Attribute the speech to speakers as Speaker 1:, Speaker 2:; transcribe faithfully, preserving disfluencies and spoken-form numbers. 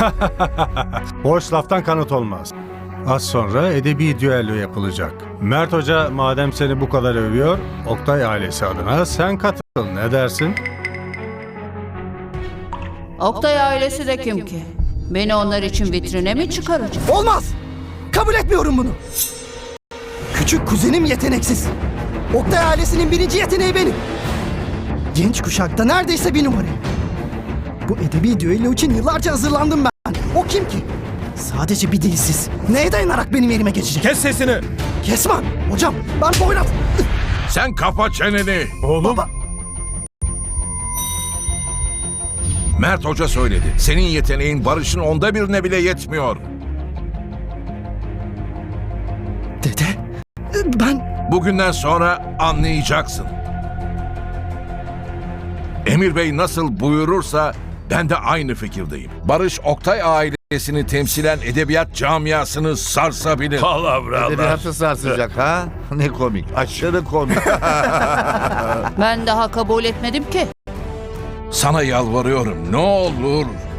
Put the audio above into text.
Speaker 1: Boş laftan kanıt olmaz. Az sonra edebi düello yapılacak. Mert Hoca madem seni bu kadar övüyor, Oktay ailesi adına sen katıl. Ne dersin?
Speaker 2: Oktay ailesi de kim ki? Beni onlar için vitrine mi çıkaracak?
Speaker 3: Olmaz! Kabul etmiyorum bunu. Küçük kuzenim yeteneksiz. Oktay ailesinin birinci yeteneği benim. Genç kuşakta neredeyse bir numarayım. Bu edebi düello için yıllarca hazırlandım ben. O kim ki? Sadece bir dilsiz. Neye dayanarak benim yerime geçecek?
Speaker 4: Kes sesini.
Speaker 3: Kesman! Hocam ben boynat...
Speaker 5: Sen kapa çeneni.
Speaker 4: Oğlum.
Speaker 3: Baba!
Speaker 5: Mert Hoca söyledi. Senin yeteneğin Barış'ın onda birine bile yetmiyor.
Speaker 3: Dede, ben...
Speaker 5: Bugünden sonra anlayacaksın. Emir Bey nasıl buyurursa ben de aynı fikirdeyim. Barış Oktay ailesini temsilen edebiyat camiasını sarsabilir.
Speaker 6: Palavralar.
Speaker 7: Edebiyatı sarsacak ha? Ne komik. Aşırı komik.
Speaker 2: Ben daha kabul etmedim ki.
Speaker 5: Sana yalvarıyorum, ne olur